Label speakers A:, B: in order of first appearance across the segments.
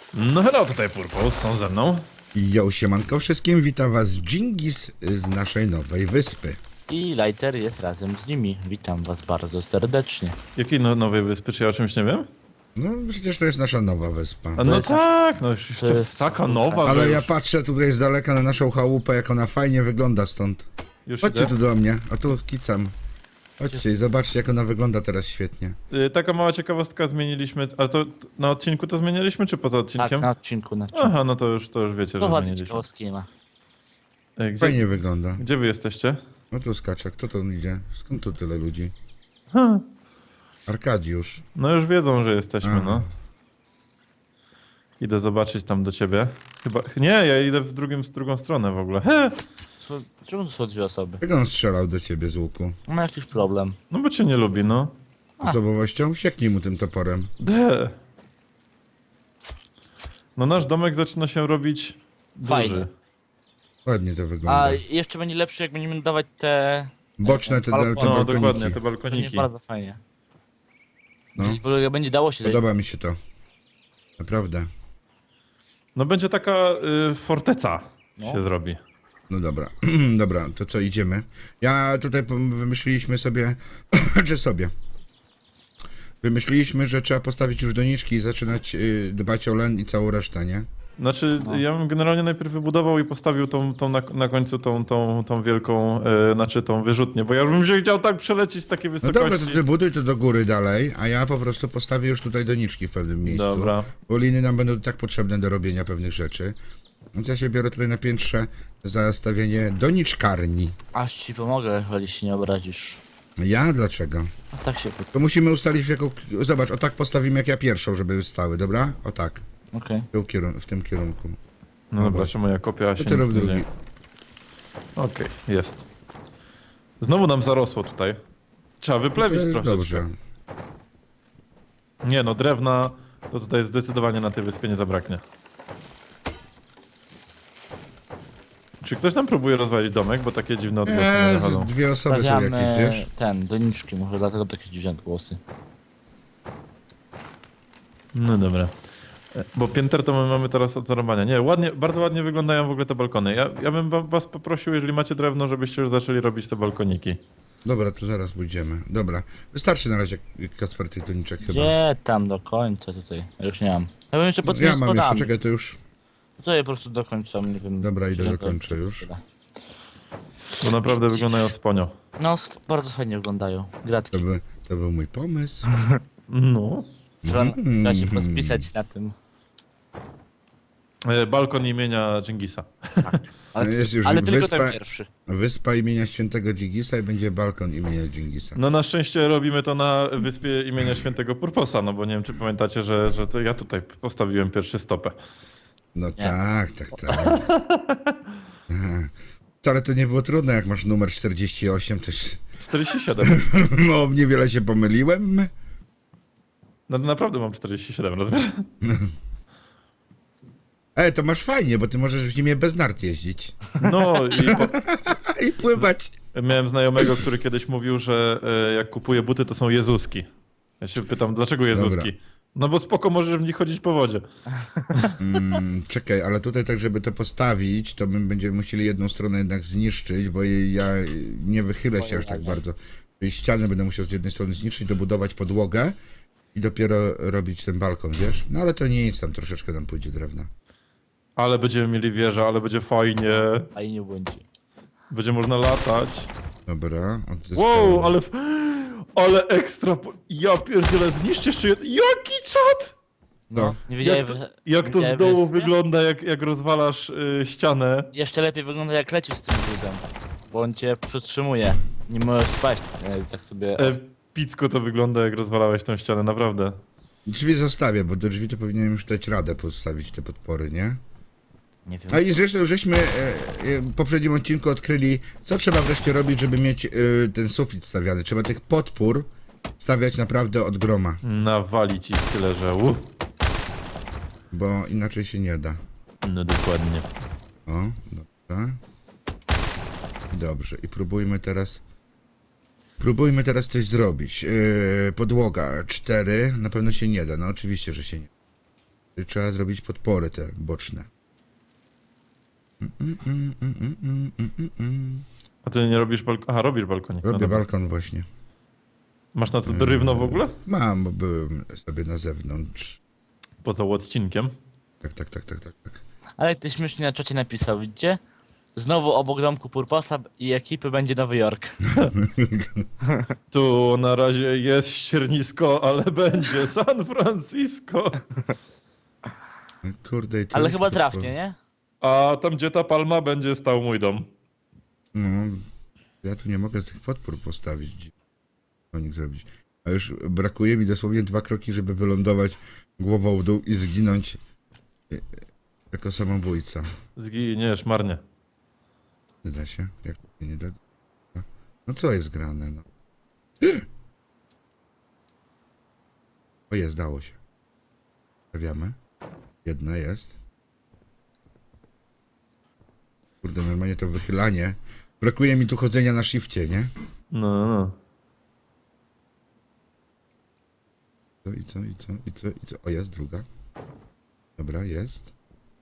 A: No hello, tutaj Purpose, są ze mną.
B: Jo, siemanko wszystkim, witam was Dżingis z naszej nowej wyspy.
C: I Lighter jest razem z nimi. Witam was bardzo serdecznie.
A: Jakiej nowej wyspy, czy ja o czymś nie wiem?
B: No przecież to jest nasza nowa wyspa.
A: A no
C: jest-
A: tak, no już
C: to
A: to
C: jest-
A: taka nowa,
B: Ale
A: że
B: ja
A: już,
B: patrzę tutaj z daleka na naszą chałupę, jak ona fajnie wygląda stąd.
A: już
B: Chodźcie
A: idę.
B: tu do mnie, a tu kicam. Chodźcie i zobaczcie, jak ona wygląda teraz świetnie.
A: Taka mała ciekawostka zmieniliśmy, ale to na odcinku to zmieniliśmy, czy poza
C: Tak,
A: odcinkiem?
C: na odcinku.
A: Aha, no to już wiecie, że
C: To ładnie
A: zmieniliśmy.
C: ciekawostki nie ma.
A: Gdzie,
B: Fajnie wygląda.
A: gdzie wy jesteście?
B: No tu skacze, kto tu idzie? Skąd tu tyle ludzi?
A: Ha,
B: Arkadiusz.
A: no już wiedzą, że jesteśmy,
B: Aha.
A: no. Idę zobaczyć tam do ciebie. Chyba, nie, ja idę w drugą stronę w ogóle. He,
C: Czemu to są dwie osoby?
B: Jak on strzelał do ciebie z łuku?
C: Ma jakiś problem.
A: no bo cię nie lubi, no.
B: Osobowością? Sieknij mu tym toporem.
A: De. No nasz domek zaczyna się robić
C: Fajny.
A: duży.
B: Ładnie to wygląda.
C: A jeszcze będzie lepszy, jak będziemy dawać te...
B: Boczne te
A: No
B: balkoniki.
A: dokładnie, te
C: To nie
A: balkoniki.
C: bardzo fajnie.
B: No.
C: Gdzieś w ogóle będzie dało się...
B: Podoba mi się to. Naprawdę.
A: No będzie taka forteca
C: No.
A: się zrobi.
B: No dobra, dobra, to co, idziemy? Ja tutaj wymyśliliśmy sobie, czy sobie? Wymyśliliśmy, że trzeba postawić już doniczki i zaczynać dbać o len i całą resztę, nie?
A: Znaczy,
C: No.
A: ja bym generalnie najpierw wybudował i postawił tą na końcu tą wielką, znaczy tą wyrzutnię, bo ja bym się chciał tak przelecieć z takiej
B: No
A: wysokości.
B: dobra, to ty buduj to do góry dalej, a ja po prostu postawię już tutaj doniczki w pewnym miejscu.
A: Dobra.
B: Bo liny nam będą tak potrzebne do robienia pewnych rzeczy. Więc ja się biorę tutaj na piętrze za stawienie doniczkarni.
C: Aż ci pomogę, jeżeli się nie obrazisz.
B: Ja? Dlaczego?
C: A tak się...
B: To musimy ustalić w jaką... Zobacz, o tak postawimy jak ja pierwszą, żeby stały, dobra? O tak,
C: Okej.
B: w tym kierunku.
A: No dobra, czemu ja kopia się
B: To ty
A: nic
B: rób
A: nie
B: drugi.
A: dzieje. Okej, jest. Znowu nam zarosło tutaj. Trzeba wyplewić troszeczkę.
B: Dobrze.
A: Nie no, drewna to tutaj zdecydowanie na tej wyspie nie zabraknie. Czy ktoś tam próbuje rozwalić domek, bo takie dziwne odgłosy nie dochodzą?
B: Dwie osoby są jakieś,
C: Stawiamy
B: wiesz?
C: doniczki, może dlatego takie dziwne głosy.
A: No dobra. Bo pięter to my mamy teraz od zarąbania. Nie, ładnie, bardzo ładnie wyglądają w ogóle te balkony. Ja bym was poprosił, jeżeli macie drewno, żebyście już zaczęli robić te balkoniki.
B: Dobra, to zaraz pójdziemy. Dobra. Wystarczy na razie Kasper tych doniczek chyba.
C: Gdzie tam do końca tutaj? Ja już nie mam. Ja bym jeszcze pod tymi
B: Ja mam jeszcze,
C: schodami.
B: czekaj, to już...
C: To je po prostu dokończam, nie wiem.
B: Dobra, idę
C: czy
B: dokończę już.
A: Bo naprawdę wyglądają sponio.
C: No, bardzo fajnie wyglądają. Gratki.
B: To był mój pomysł.
A: No.
C: Trzeba się podpisać na tym.
A: Balkon imienia Dżingisa.
C: Ale,
B: No jest już
C: ale tylko
B: wyspa-
C: ten pierwszy.
B: Wyspa imienia świętego Dżingisa i będzie balkon imienia Dżingisa.
A: No na szczęście robimy to na wyspie imienia świętego Purposa, no bo nie wiem, czy pamiętacie, że to ja tutaj postawiłem pierwszy stopę.
B: No tak. Wcale to nie było trudne, jak masz numer 48, też...
A: 47.
B: No, niewiele się pomyliłem.
A: No naprawdę mam 47, rozumiesz?
B: To masz fajnie, bo ty możesz w zimie bez nart jeździć.
A: No
B: I pływać.
A: miałem znajomego, który kiedyś mówił, że jak kupuje buty, to są jezuski. Ja się pytam, dlaczego jezuski?
B: Dobra.
A: No bo spoko, możesz w nich chodzić po wodzie.
B: Czekaj, ale tutaj tak, żeby to postawić, to my będziemy musieli jedną stronę jednak zniszczyć, bo ja nie wychylę się aż tak bardzo. Czyli ściany będę musiał z jednej strony zniszczyć, dobudować podłogę i dopiero robić ten balkon, wiesz? No ale to nie nic, tam troszeczkę nam pójdzie drewna.
A: Ale będziemy mieli wieżę, ale będzie fajnie.
C: A i nie będzie.
A: Będzie można latać.
B: Dobra, odzyskałem.
A: Wow, ale ekstra. Ja pierdzielę, zniszcz jeszcze jeden. Jaki czat!
B: No.
C: Nie wiedziałem,
A: Jak to z
C: wiedziałem,
A: dołu
C: że-
A: wygląda, jak rozwalasz ścianę.
C: Jeszcze lepiej wygląda jak lecisz z tym gruzem. Bo on cię przytrzymuje. Nie możesz spaść. Tak sobie...
A: Picko to wygląda, jak rozwalałeś tą ścianę, naprawdę.
B: Drzwi zostawię, bo do drzwi to powinienem już dać radę postawić te podpory, nie?
C: Nie wiem.
B: A i zresztą żeśmy w poprzednim odcinku odkryli, co trzeba wreszcie robić, żeby mieć ten sufit stawiany. Trzeba tych podpór stawiać naprawdę od groma,
A: Nawalić ich tyle, że
B: bo inaczej się nie da.
A: No dokładnie.
B: O, dobra. Dobrze, i próbujmy teraz coś zrobić. Podłoga 4, na pewno się nie da, no oczywiście, że się nie. Czyli trzeba zrobić podpory te boczne.
A: A ty nie robisz balkonu? Aha, robisz balkonik. No
B: Robię
A: dobra.
B: balkon właśnie.
A: Masz na to drewno w ogóle?
B: Mam, bo byłem sobie na zewnątrz.
A: Poza odcinkiem.
B: Tak.
C: Ale ktoś śmiesznie na czacie napisał, widzicie? Znowu obok domku Purposa i ekipy będzie Nowy Jork.
A: Tu na razie jest ściernisko, ale będzie San Francisco.
B: Kurde, i co?
C: Ale chyba trafnie, nie?
A: A tam, gdzie ta palma, będzie stał mój dom.
B: No, ja tu nie mogę tych podpór postawić. Konik zrobić. A już brakuje mi dosłownie 2 kroki, żeby wylądować głową w dół i zginąć jako samobójca.
A: Zginiesz marnie.
B: Nie da się? Jak to się nie da? No co jest grane, no? O jest, dało się. Stawiamy. Jedna jest. Kurde, normalnie to wychylanie. Brakuje mi tu chodzenia na shifcie, nie?
A: No.
B: Co? O, jest druga. Dobra, jest.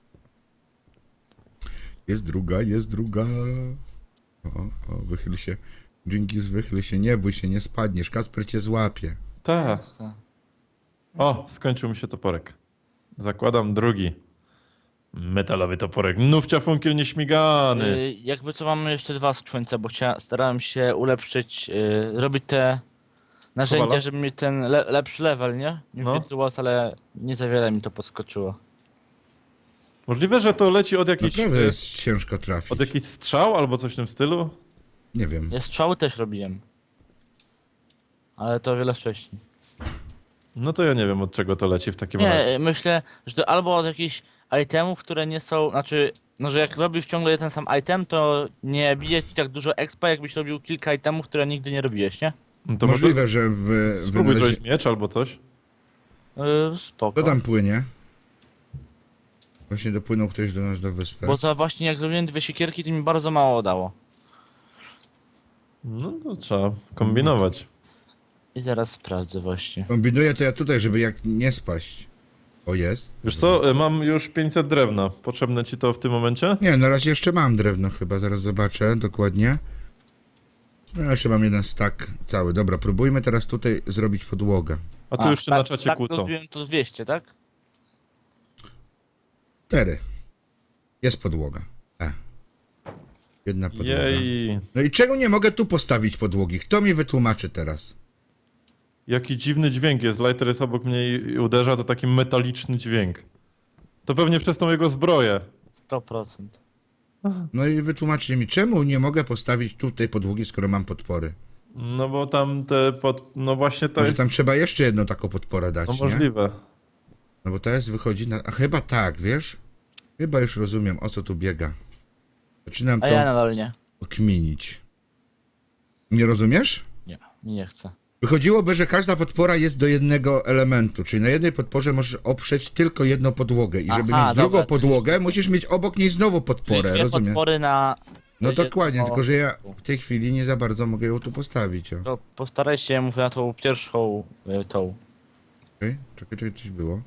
B: Jest druga. O, wychyl się. Dżingis, wychyl się, nie bój się, nie spadniesz. Kasper cię złapie.
A: Tak. O, skończył mi się toporek. Zakładam drugi. Metalowy toporek. Nówcia funkiel nieśmigany.
C: Jakby co mamy jeszcze 2 skrzyńce, bo starałem się ulepszyć, robić te narzędzia,
A: Kowala?
C: żeby mieć ten lepszy level, nie? Nie
A: No.
C: Wirtuos, ale nie za wiele mi to podskoczyło.
A: Możliwe, że to leci od jakiejś,
B: Naprawdę jest ciężko trafić.
A: od jakichś strzał albo coś w tym stylu?
B: Nie wiem.
C: Ja strzały też robiłem. Ale to o wiele wcześniej.
A: No to ja nie wiem, od czego to leci w takim razie.
C: Nie, myślę, że to albo od jakichś itemów, które nie są, znaczy, no że jak robisz ciągle ten sam item, to nie bije ci tak dużo expa, jakbyś robił kilka itemów, które nigdy nie robiłeś, nie?
A: No to
B: Możliwe, że
A: spróbuj zrobić miecz albo coś.
C: Spoko.
B: Kto tam płynie? Właśnie dopłynął ktoś do nas do wyspy.
C: Bo za właśnie jak zrobiłem 2 siekierki, to mi bardzo mało dało.
A: No to trzeba kombinować.
C: I zaraz sprawdzę właśnie.
B: Kombinuję to ja tutaj, żeby jak nie spaść. O, jest.
A: Wiesz co, mam już 500 drewna. Potrzebne ci to w tym momencie?
B: Nie, na razie jeszcze mam drewno chyba, zaraz zobaczę dokładnie. No, jeszcze mam jeden stack cały. Dobra, próbujmy teraz tutaj zrobić podłogę.
A: A tu już się na czacie
C: tak
A: kłócą.
C: rozumiem, to 200, tak?
B: 4. Jest podłoga. Jedna podłoga.
A: Jej,
B: No i czego nie mogę tu postawić podłogi? Kto mi wytłumaczy teraz?
A: jaki dziwny dźwięk jest. Lighter jest obok mnie i uderza, to taki metaliczny dźwięk. To pewnie przez tą jego zbroję.
C: 100%.
B: No i wytłumaczcie mi, czemu nie mogę postawić tutaj podłogi, skoro mam podpory?
A: No bo tam te no właśnie to
B: Może
A: jest...
B: tam trzeba jeszcze jedną taką podporę dać,
A: No
B: nie?
A: możliwe.
B: No bo teraz wychodzi na... A chyba tak, wiesz? Chyba już rozumiem, o co tu biega. Zaczynam
C: A
B: to
C: ja nadal nie.
B: okminić. Nie rozumiesz?
C: Nie chcę.
B: Wychodziłoby, że każda podpora jest do jednego elementu, czyli na jednej podporze możesz oprzeć tylko jedną podłogę i żeby
C: Aha,
B: mieć drugą
C: dobra,
B: podłogę, musisz mieć obok niej znowu
C: Czyli
B: podporę,
C: 2
B: rozumiem?
C: podpory na...
B: No
C: jedno-
B: dokładnie, tylko że ja w tej chwili nie za bardzo mogę ją tu postawić, o.
C: To postaraj się, mówię na tą pierwszą, tą.
B: Czekaj, coś było.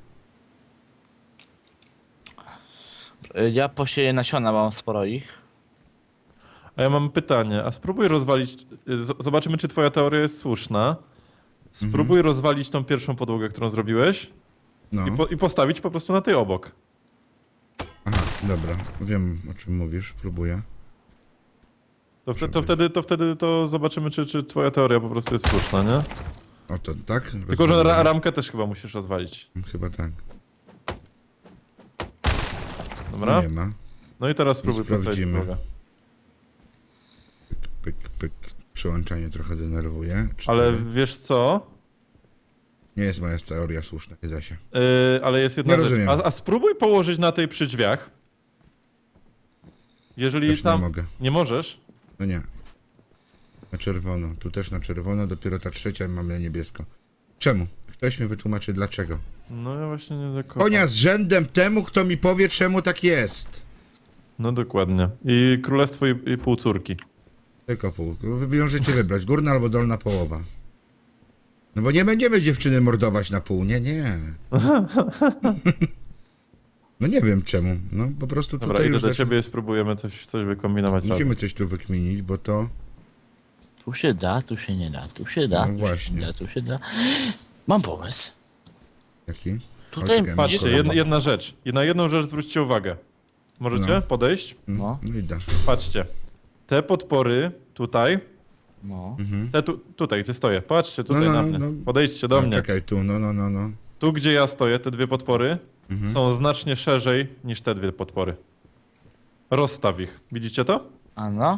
C: Ja posieję nasiona, mam sporo ich.
A: A ja mam pytanie, a spróbuj rozwalić, zobaczymy czy twoja teoria jest słuszna. Spróbuj rozwalić tą pierwszą podłogę, którą zrobiłeś
B: No,
A: i postawić po prostu na tej obok.
B: aha, dobra, wiem o czym mówisz, próbuję.
A: To wtedy to zobaczymy, czy twoja teoria po prostu jest słuszna, nie?
B: O to, tak?
A: Tylko, że
B: Rozumiem.
A: ramkę też chyba musisz rozwalić.
B: Chyba tak.
A: Dobra?
B: Nie ma.
A: No i teraz spróbuj postawić
B: Sprawdzimy.
A: drogę.
B: Pyk. Przełączanie trochę denerwuje.
A: Ale
B: 4.
A: wiesz co?
B: Nie jest moja teoria słuszna, nie da się.
A: Ale jest jedna
B: Nie
A: rzecz.
B: rozumiem.
A: A spróbuj położyć na tej przy drzwiach. Jeżeli
B: Też
A: tam...
B: nie mogę.
A: Nie możesz?
B: No nie. Na czerwono. Tu też na czerwono, dopiero ta trzecia mam na niebiesko. Czemu? Ktoś mi wytłumaczy dlaczego.
A: No ja właśnie nie do końca.
B: Konia z rzędem temu, kto mi powie, czemu tak jest.
A: No dokładnie. I królestwo i pół córki.
B: Tylko pół. Wy możecie wybrać, górna albo dolna połowa. No bo nie będziemy dziewczyny mordować na pół, nie. No nie wiem czemu. No po prostu
A: Dobra,
B: tutaj
A: idę
B: już
A: do ciebie i spróbujemy coś wykombinować razem.
B: musimy coś tu wykminić, bo to...
C: Tu się da, tu się nie da, tu się da,
B: No
C: tu
B: właśnie.
C: się nie da, tu się da. Mam pomysł.
B: Jaki?
C: Tutaj
B: czekaj,
A: Patrzcie,
B: Dobra.
A: jedna rzecz. I na jedną rzecz zwróćcie uwagę. Możecie
B: No.
A: podejść?
C: No.
B: No idę.
A: Patrzcie. Te podpory tutaj,
C: No.
A: te tutaj, gdzie stoję. Patrzcie tutaj
B: No,
A: na
B: no,
A: mnie.
B: no.
A: Podejdźcie do
B: A,
A: mnie.
B: czekaj, tu, no.
A: Tu, gdzie ja stoję, te dwie podpory
B: Mhm.
A: są znacznie szerzej niż te dwie podpory. Rozstaw ich. Widzicie to?
C: Ano?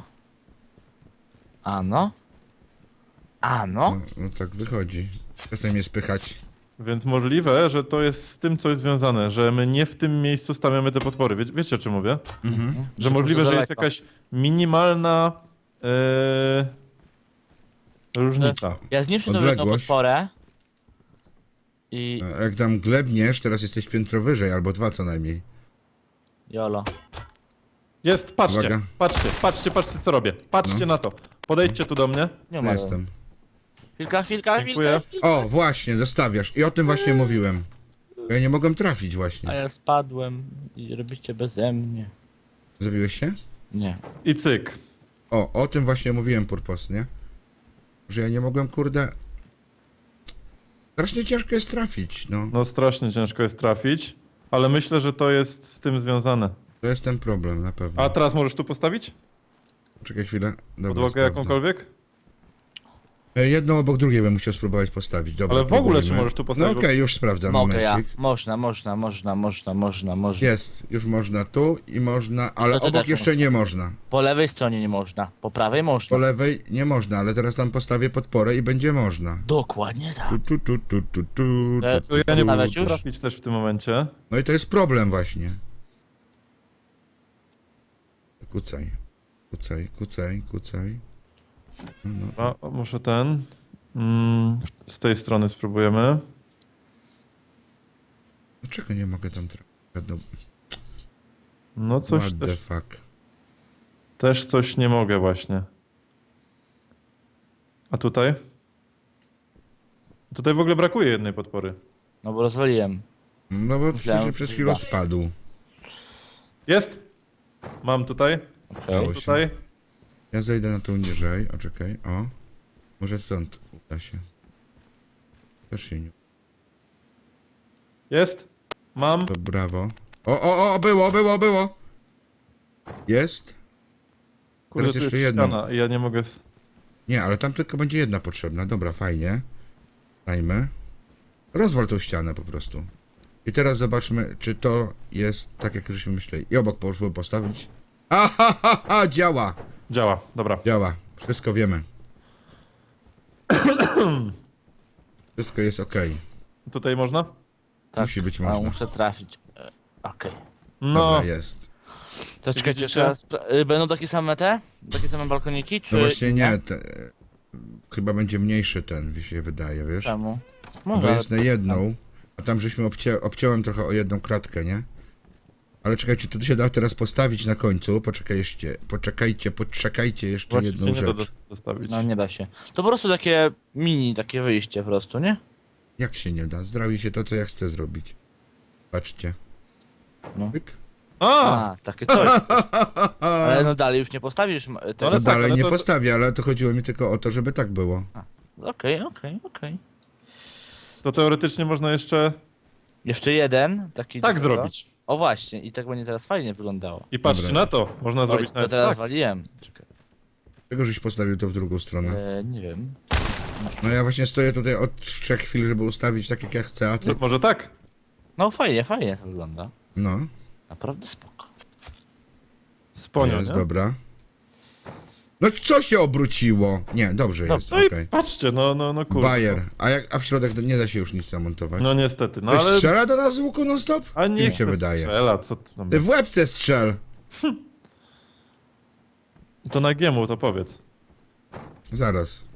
C: Ano? Ano?
B: No, no tak wychodzi. Czasem mnie spychać.
A: Więc możliwe, że to jest z tym coś związane, że my nie w tym miejscu stawiamy te podpory. Wiecie o czym mówię?
B: Mhm.
A: Że możliwe, że jest
C: daleko.
A: jakaś minimalna różnica.
C: Ja zniszczę tą jedną
B: Odległość.
C: podporę. I...
B: A jak tam glebniesz, teraz jesteś piętro wyżej, albo 2 co najmniej.
C: Jolo.
A: Jest, patrzcie,
B: Uwaga.
A: patrzcie co robię. Patrzcie na to. Podejdźcie tu do mnie.
C: Nie
B: Tu
C: ma.
B: jestem.
C: Chwilka.
A: Dziękuję.
B: O, właśnie, dostawiasz. I o tym właśnie mówiłem. Ja nie mogłem trafić
C: A
B: właśnie.
C: ja spadłem i robicie beze mnie.
B: Zrobiłeś się?
C: Nie.
A: I cyk.
B: O tym właśnie mówiłem, Purpos, nie? Że ja nie mogłem, kurde... Strasznie ciężko jest trafić, no.
A: No strasznie ciężko jest trafić, ale myślę, że to jest z tym związane.
B: To jest ten problem, na pewno.
A: A teraz możesz tu postawić?
B: Czekaj chwilę. Dobra,
A: Podłogę
B: sprawdzę.
A: jakąkolwiek?
B: Jedną obok drugiej bym musiał spróbować postawić. Dobra,
A: Ale w ogóle czy
B: próbujmy.
A: możesz tu
B: No
A: postawić?
B: okej, już sprawdzam,
C: Mogę ja.
B: momencik.
C: Można.
B: Jest, już można tu i można, ale
C: To ty
B: obok
C: też
B: jeszcze nie można.
C: Po lewej stronie nie można, po prawej
B: Po
C: można.
B: lewej nie można, ale teraz tam postawię podporę i będzie można.
C: Dokładnie tak.
B: Tu.
A: To ja nie
C: Nawet
A: mogę
C: już?
A: trafić też w tym momencie.
B: No i to jest problem właśnie. Kucaj. No.
A: A, muszę ten. Z tej strony spróbujemy.
B: Dlaczego nie mogę tam trafić? No,
A: No coś
B: what the
A: też,
B: fuck.
A: też coś nie mogę właśnie. A tutaj? Tutaj w ogóle brakuje jednej podpory.
C: No bo rozwaliłem.
B: No bo
C: Myślałem,
B: przecież przez
C: że
B: chwilę
C: da.
B: spadł.
A: Jest! Mam tutaj,
C: Okej.
B: Dało się.
A: tutaj.
B: Ja zejdę na tą niżej, o czekaj, o. Może stąd uda się. Też się nie...
A: Jest! Mam.
B: To brawo. O, było! Jest?
A: Kurde,
B: teraz
A: tu
B: jeszcze
A: jest
B: jedną.
A: ściana i ja nie mogę...
B: Nie, ale tam tylko będzie jedna potrzebna. Dobra, fajnie. Dajmy. Rozwal tą ścianę po prostu. I teraz zobaczmy, czy to jest tak, jak żeśmy myśleli. I obok postawić. Ha, działa!
A: Działa, dobra.
B: Działa. Wszystko wiemy. Wszystko jest ok.
A: Tutaj można?
C: Tak.
B: Musi być
C: A,
B: można.
C: muszę trafić. Okej.
A: No,
B: Dobra, jest.
C: To czekajcie,
A: widzicie?
C: jeszcze raz. Będą takie same te? Takie same balkoniki, czy...
B: No właśnie nie. Chyba będzie mniejszy ten, mi się wydaje, wiesz?
C: Czemu?
B: Bo
C: Może,
B: jest na jedną, a tam żeśmy obciąłem trochę o jedną kratkę, nie? Ale czekajcie, tu się da teraz postawić na końcu. Poczekajcie jeszcze
A: właśnie
B: jedną
A: się nie da
B: rzecz.
A: dostawić.
C: No nie da się. To po prostu takie mini, takie wyjście po prostu, nie?
B: Jak się nie da? Zrobi się to, co ja chcę zrobić. Patrzcie.
C: No.
B: Pyk.
A: A!
C: Takie coś. Ale no dalej już nie postawisz
A: Ale
B: No
C: tego.
A: tak,
B: dalej
A: ale
B: nie
A: to-
B: postawię, ale to chodziło mi tylko o to, żeby tak było.
C: Okej.
A: To teoretycznie można jeszcze
C: Jeszcze jeden, taki...
A: tak
C: do-
A: zrobić.
C: O właśnie, i tak będzie teraz fajnie wyglądało.
A: I patrzcie
B: Dobra.
A: na to. Można
C: Oj,
A: zrobić
C: to
A: nawet
C: teraz
A: tak.
C: waliłem. Czekaj.
B: Czego żeś postawił to w drugą stronę?
C: Nie wiem.
B: No ja właśnie stoję tutaj od 3 chwil, żeby ustawić tak, jak ja chcę, a ty...
A: No, może tak?
C: No fajnie to wygląda.
B: No,
C: Naprawdę spoko.
A: Sponio,
B: jest,
A: nie?
B: dobra. No co się obróciło? Nie, dobrze
C: No,
B: jest,
A: No i
B: okej.
A: patrzcie, no kurde.
B: Bayer. A w środek nie da się już nic zamontować.
A: No niestety, no
B: Ktoś
A: ale...
B: strzela do nas z łuku non stop?
A: A
B: Mi
A: nie
B: się wydaje.
A: strzela, co ty tam...
B: Ty w łebce strzel!
A: To na giemu to powiedz.
B: Zaraz.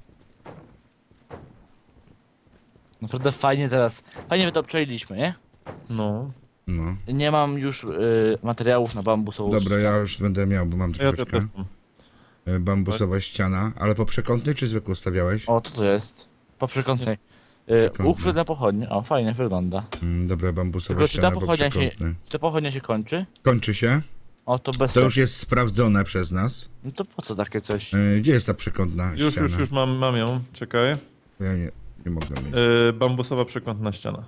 C: Naprawdę fajnie teraz. Fajnie wy to obczailiśmy, nie?
A: No.
B: No.
C: Nie mam już materiałów na bambusową.
B: Dobra, ja już będę miał, bo mam
A: Ja też
B: troszeczkę.
A: mam.
B: Bambusowa ściana, ale po przekątnej czy zwykłą stawiałeś?
C: O, co to jest? Po przekątnej.
B: Przekątne.
C: Uchwyt na pochodnie. O, fajnie wygląda.
B: Dobra, bambusowa
C: Tylko czy ta
B: ściana, bo
C: pochodnia się,
B: przekątny.
C: czy ta pochodnia się kończy?
B: Kończy się.
C: O, to bez
B: To już
C: sensu.
B: jest sprawdzone przez nas.
C: No to po co takie coś?
B: Gdzie jest ta przekątna
A: Już,
B: ściana?
A: już mam ją, czekaj.
B: Ja nie mogę mieć.
A: Bambusowa przekątna ściana.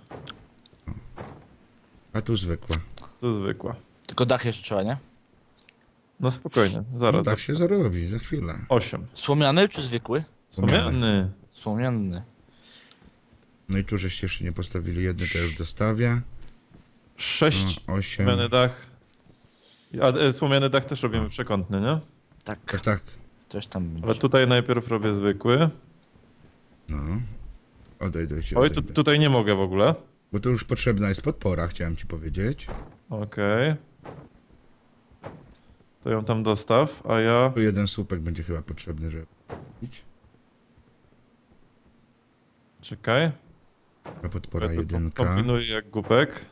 B: A tu zwykła.
A: To zwykła.
C: Tylko dach jeszcze trzeba, nie?
A: No spokojnie,
B: No
A: zaraz.
B: tak się zarobi, za chwilę.
A: 8.
C: Słomiany czy zwykły?
A: Słomiany.
C: Słomiany.
B: No i tu żeście jeszcze nie postawili jedny, to już dostawię.
A: 6.
B: No, 8.
A: Słomiany dach. A słomiany dach też robimy przekątny, nie?
C: Tak,
B: Tak, tak.
C: coś tam
A: Ale
C: będzie.
A: tutaj najpierw robię zwykły.
B: No. Odejdę ci,
A: Oj,
B: odejdę.
A: tutaj nie mogę w ogóle.
B: Bo tu już potrzebna jest podpora, chciałem ci powiedzieć.
A: Okej. To ją tam dostaw, a ja...
B: Tu jeden słupek będzie chyba potrzebny, żeby robić.
A: Czekaj.
B: Podpora
A: Ja to
B: jedynka.
A: kombinuję jak głupek.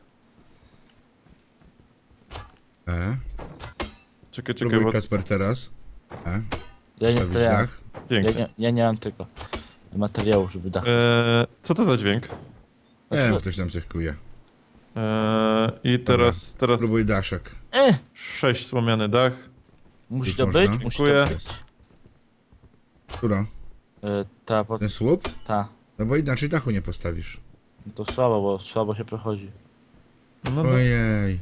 A: Czekaj,
B: Próbuj
A: bo...
B: Kasper teraz.
C: Ja nie,
B: Stawić
C: to ja,
B: dach.
A: Pięknie.
C: ja nie mam tego materiału, żeby dach.
A: Co to za dźwięk?
B: Nie wiem, ktoś tam coś kuje.
A: I teraz
B: Próbuj daszek.
A: 6 słomiany dach.
C: Musi
B: Już
C: to
B: można?
C: być? Musi
A: Dziękuję.
C: to być.
B: Która?
C: Ta,
B: Ten słup?
C: ta.
B: No bo inaczej dachu nie postawisz.
C: No to słabo, bo słabo się prochodzi.
A: No,
B: Ojej.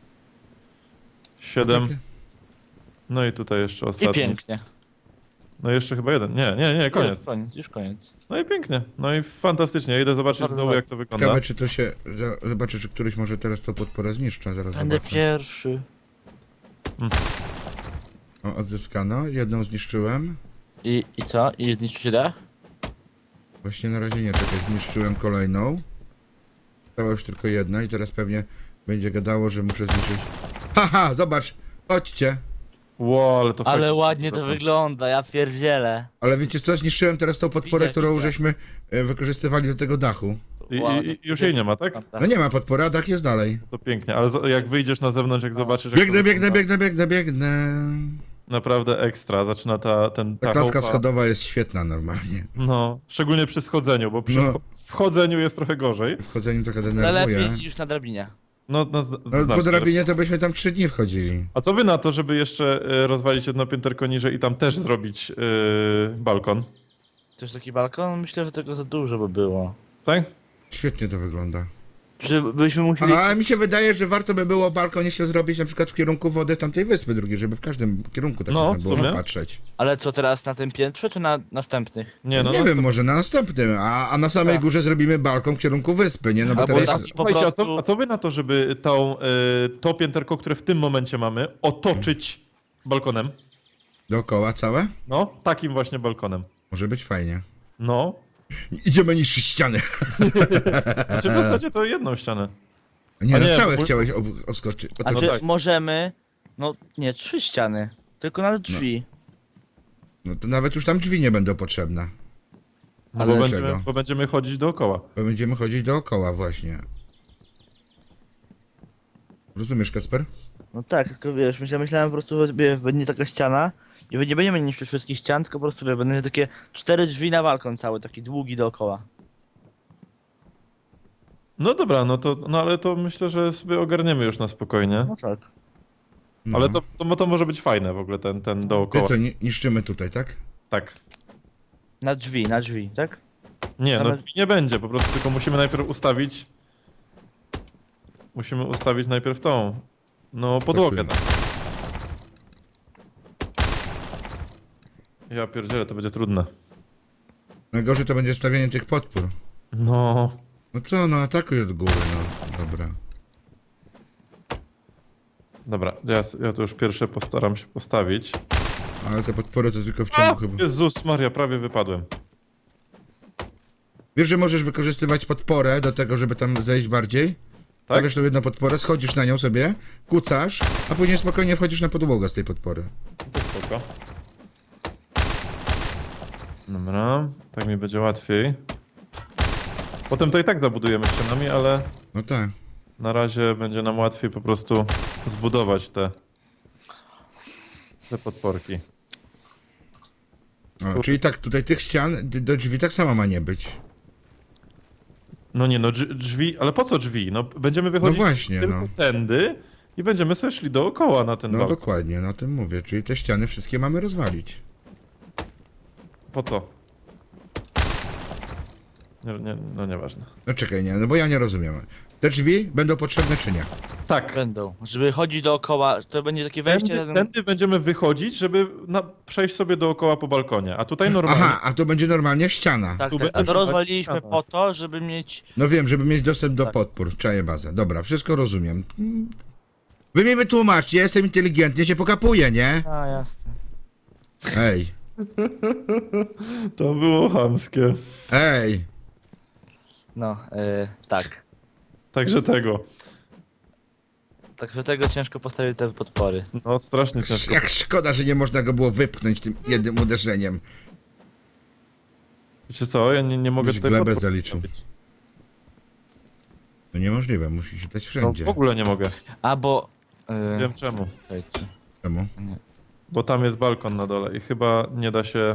A: 7. No i tutaj jeszcze
C: I
A: ostatni.
C: pięknie.
A: No jeszcze chyba jeden. Nie, koniec.
C: Już koniec.
A: No i pięknie. No i fantastycznie. Ja idę zobaczyć
C: Bardzo
A: z dołu, jak to wygląda.
B: Ciekawe, czy to się... Zobaczę, czy któryś może teraz to podporę zniszcza. Zaraz
C: Będę
B: zobaczę.
C: pierwszy.
B: O, odzyskano. Jedną zniszczyłem.
C: I co? I zniszczycie dach?
B: Właśnie na razie nie, czekaj, zniszczyłem kolejną. Została już tylko jedna i teraz pewnie będzie gadało, że muszę zniszczyć... Haha, zobacz! Chodźcie!
A: Ło, ale to
C: Ale
A: fajnie.
C: ładnie to wygląda, ja pierdzielę.
B: Ale wiecie co, zniszczyłem teraz tą podporę,
C: Widzę,
B: którą
C: widzę.
B: żeśmy wykorzystywali do tego dachu.
A: I już jej nie ma, tak?
B: No nie ma podpory, a dach jest dalej.
A: To pięknie, ale jak wyjdziesz na zewnątrz, jak zobaczysz... Jak
B: Biegnę,
A: to
B: biegnę,
A: wygląda,
B: biegnę, biegnę, biegnę.
A: Naprawdę ekstra. Zaczyna ta
B: Ta klaska
A: chałupa-
B: schodowa jest świetna normalnie.
A: No, szczególnie przy schodzeniu, bo przy
B: No.
A: wchodzeniu jest trochę gorzej.
B: W chodzeniu trochę
C: Ale
B: denerwuje.
C: lepiej niż na drabinie.
A: No,
B: No, po
A: znacznie.
B: drabinie to byśmy tam 3 dni wchodzili.
A: A co wy na to, żeby jeszcze rozwalić jedno pięterko niżej i tam też zrobić balkon?
C: Też taki balkon? Myślę, że tego za dużo by było.
A: Tak?
B: Świetnie to wygląda.
C: Czy byśmy musieli...
B: A mi się wydaje, że warto by było balkon jeszcze zrobić na przykład w kierunku wody tamtej wyspy drugiej, żeby w każdym kierunku tak
A: No,
B: można
A: w
B: było
A: sumie.
B: patrzeć.
C: Ale co teraz, na tym piętrze, czy na następnych?
A: Nie, no
B: nie
A: no,
B: wiem, może na następnym, a na samej
C: Tak.
B: górze zrobimy balkon w kierunku wyspy, nie? No bo
C: Albo
B: teraz
C: na-
B: jest...
C: po
A: Słuchajcie,
C: prostu-
A: a co wy na to, żeby to pięterko, które w tym momencie mamy, otoczyć balkonem?
B: dookoła całe?
A: No, takim właśnie balkonem.
B: Może być fajnie.
A: No.
B: Idziemy niszczyć ściany.
A: Znaczy w zasadzie to jedną ścianę.
B: Nie,
A: A
B: no
A: nie,
B: całe
A: bo-
B: chciałeś oskoczyć.
C: A
A: no
C: czy
A: tak.
C: możemy... No nie, 3 ściany. Tylko na drzwi.
B: No to nawet już tam drzwi nie będą potrzebne.
A: No
C: Ale
B: dlaczego?
A: bo będziemy chodzić dookoła.
B: Bo będziemy chodzić dookoła właśnie. Rozumiesz, Kasper?
C: No tak, tylko wiesz, myślałem po prostu, że będzie taka ściana i nie będziemy niszczyć wszystkich ścian, tylko po prostu wiesz, będą takie 4 drzwi na balkon cały, taki długi dookoła.
A: No dobra, no ale to myślę, że sobie ogarniemy już na spokojnie.
C: No tak.
B: No.
A: Ale to może być fajne w ogóle, ten
B: Ty
A: dookoła.
B: co, niszczymy tutaj, tak?
A: Tak.
C: Na drzwi, tak?
A: Nie,
C: Same-
A: no drzwi nie będzie, po prostu tylko musimy najpierw ustawić... Musimy ustawić najpierw tą... No, podłogę tam. Ja pierdzielę, to będzie trudne.
B: Najgorzej to będzie stawianie tych podpór.
A: No...
B: No co, no atakuj od góry, no. Dobra.
A: Dobra, ja to już pierwsze postaram się postawić.
B: Ale te podpory to tylko w
A: A!
B: ciągu chyba...
A: Jezus Maria, prawie wypadłem.
B: Wiesz, że możesz wykorzystywać podporę do tego, żeby tam zejść bardziej?
A: Tak?
B: Stawiasz tu jedną podporę, schodzisz na nią sobie, kucasz, a później spokojnie wchodzisz na podłogę z tej podpory.
A: To spoko. Dobra, tak mi będzie łatwiej. Potem to i tak zabudujemy ścianami, ale
B: No tak.
A: na razie będzie nam łatwiej po prostu zbudować te podporki.
B: O, czyli tak, tutaj tych ścian do drzwi tak samo ma nie być.
A: No nie, no drzwi, ale po co drzwi? No będziemy wychodzić
B: No właśnie,
A: tylko
B: no.
A: tędy i będziemy sobie szli dookoła na ten
B: No
A: balkon.
B: dokładnie, no o tym mówię. Czyli te ściany wszystkie mamy rozwalić.
A: Po co? No nieważne.
B: No czekaj, nie, no bo ja nie rozumiem. Te drzwi będą potrzebne czy nie?
A: Tak,
C: Będą. Żeby chodzić dookoła, to będzie takie wejście.
A: tędy będziemy wychodzić, żeby przejść sobie dookoła po balkonie, a tutaj normalnie...
B: Aha, a to będzie normalnie ściana.
C: Tak,
A: tu
C: tak. A
A: będzie
C: to rozwaliliśmy
A: ściana.
C: po to, żeby mieć.
B: No wiem, żeby mieć dostęp do
C: Tak.
B: podpór. Czaję bazę. Dobra, wszystko rozumiem. Wy mi wytłumaczcie, ja jestem inteligentny, się pokapuję, nie?
C: A jasne.
B: Ej,
A: To było chamskie.
B: ej.
C: No, tak.
A: Także tego.
C: Tak do tego ciężko postawić te podpory.
A: No strasznie ciężko.
B: Jak szkoda, że nie można go było wypchnąć tym jednym uderzeniem.
A: Wiecie co, ja nie mogę
B: Byś
A: tutaj
B: glebę
A: podpór
B: zaliczył.
A: postawić.
B: No niemożliwe, musi się dać
A: No
B: wszędzie.
A: w ogóle nie mogę.
C: A bo.
A: Wiem czemu.
C: Czekajcie.
B: Czemu?
A: Bo tam jest balkon na dole i chyba nie da się...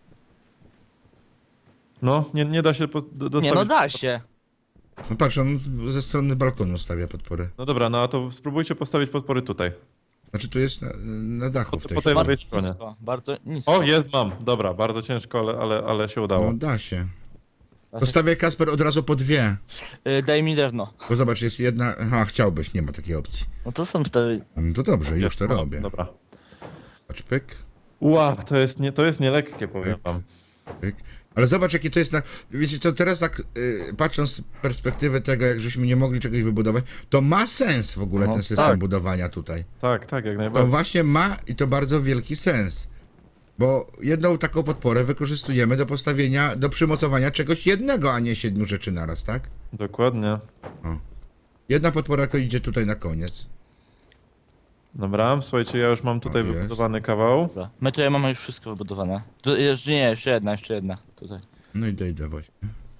A: No, nie da się dostawić...
C: Nie, no da się.
B: No patrz, on ze strony balkonu stawia podpory.
A: No dobra, no a to spróbujcie postawić podpory tutaj.
B: Znaczy tu jest na dachu w tej
A: Po tej
B: chwili.
A: lewej stronie.
C: Nisko, bardzo nisko.
A: O, jest, mam. Dobra, bardzo ciężko, ale się udało.
B: No da się. Postawię Kasper od razu po dwie.
C: Daj mi drewno.
B: Bo zobacz, jest jedna... Aha, chciałbyś, nie ma takiej opcji.
C: No to są cztery.
B: No to dobrze, już
A: Jest,
B: to
A: no,
B: robię.
A: Dobra.
B: Patrz, pyk,
A: Ła, to jest nielekkie, powiem wam.
B: pyk. Ale zobacz, jakie to jest na... Wiecie, to teraz tak, patrząc z perspektywy tego, jak żeśmy nie mogli czegoś wybudować, to ma sens w ogóle
C: No,
B: ten system
A: tak.
B: budowania tutaj.
A: Tak, jak
B: To
A: najbardziej.
B: właśnie ma i to bardzo wielki sens. Bo jedną taką podporę wykorzystujemy do postawienia, do przymocowania czegoś jednego, a nie 7 rzeczy naraz, tak?
A: Dokładnie.
B: Jedna podpora tylko idzie tutaj na koniec.
A: Dobra, słuchajcie, ja już mam tutaj
B: O, jest.
A: wybudowany kawał.
C: Dobra. My tutaj mamy już wszystko wybudowane. Jeszcze jedna tutaj.
B: No idę właśnie.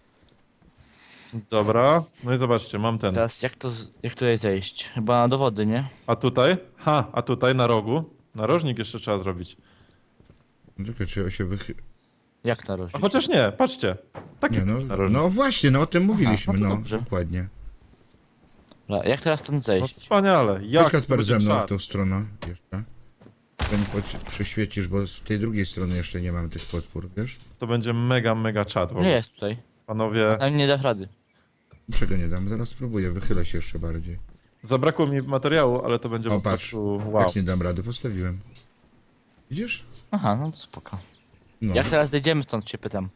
A: Dobra, no i zobaczcie, mam ten.
C: Teraz jak tutaj zejść? Chyba do wody, nie?
A: A tutaj? A tutaj na rogu? Narożnik jeszcze trzeba zrobić.
B: No czekaj, czy się
C: Jak na rożu?
A: A chociaż nie, patrzcie. Taki
B: Nie, no,
A: narożnik.
B: no właśnie, no o tym mówiliśmy,
C: no to
B: no,
C: dobrze.
B: dokładnie.
C: Dobra, jak teraz stąd
A: No
C: zejść?
A: wspaniale. Jak
B: Chodź Kasper
A: to
B: ze
A: będzie
B: mną w
A: czad.
B: tą stronę jeszcze. Ten przyświecisz, bo z tej drugiej strony jeszcze nie mam tych podpór, wiesz?
A: To będzie mega czad w
C: Nie
A: ogóle.
C: jest tutaj.
A: Panowie,
C: Tam nie dasz rady.
B: Czego nie dam? Zaraz spróbuję, wychylę się jeszcze bardziej.
A: zabrakło mi materiału, ale to będzie
B: O,
A: po
B: patrz.
A: prostu wow.
B: Jak nie dam rady, postawiłem. Widzisz?
C: Aha, no to spoko.
B: No.
C: Jak teraz dojdziemy stąd, cię pytam.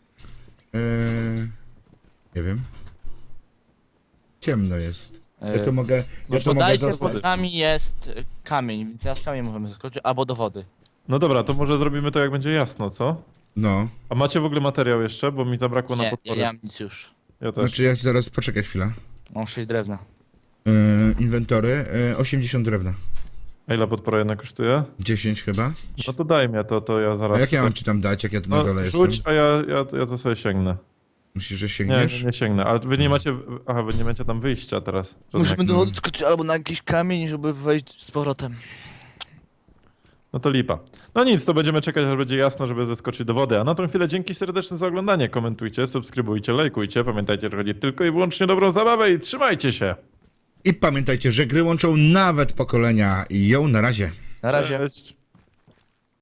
B: Nie wiem. Ciemno jest. Ja
C: Yy,
B: to mogę...
A: no
B: Ja to mogę
C: Podajcie,
B: zasłonić.
C: pod nami jest kamień, więc teraz kamień możemy zaskoczyć, albo do wody.
A: No dobra, to może zrobimy to jak będzie jasno, co?
B: No.
A: A macie w ogóle materiał jeszcze? Bo mi zabrakło na
C: Nie,
A: podpory.
C: ja mam nic już.
A: Ja też.
B: Znaczy ja ci zaraz... Poczekaj chwilę.
C: Mam 6 drewna.
B: Inwentory. 80 drewna.
A: A ile podpora jedna kosztuje?
B: 10 chyba.
A: No to daj mnie, to ja zaraz...
B: A jak ja mam ci tam dać, jak ja tu na
A: No
B: dole
A: rzuć,
B: jestem?
A: a ja to sobie sięgnę.
B: Myślisz, że
A: Nie,
B: sięgniesz?
A: nie sięgnę, ale wy nie macie... Aha, wy nie macie tam wyjścia teraz.
C: Musimy
A: Żadnego.
C: do wody skoczyć albo na jakiś kamień, żeby wejść z powrotem.
A: No to lipa. No nic, to będziemy czekać, aż będzie jasno, żeby zeskoczyć do wody. A na tą chwilę dzięki serdeczne za oglądanie. Komentujcie, subskrybujcie, lajkujcie. Pamiętajcie, że chodzi tylko i wyłącznie o dobrą zabawę i trzymajcie się.
B: I pamiętajcie, że gry łączą nawet pokolenia i ją na razie.
C: Na razie.
A: Cześć.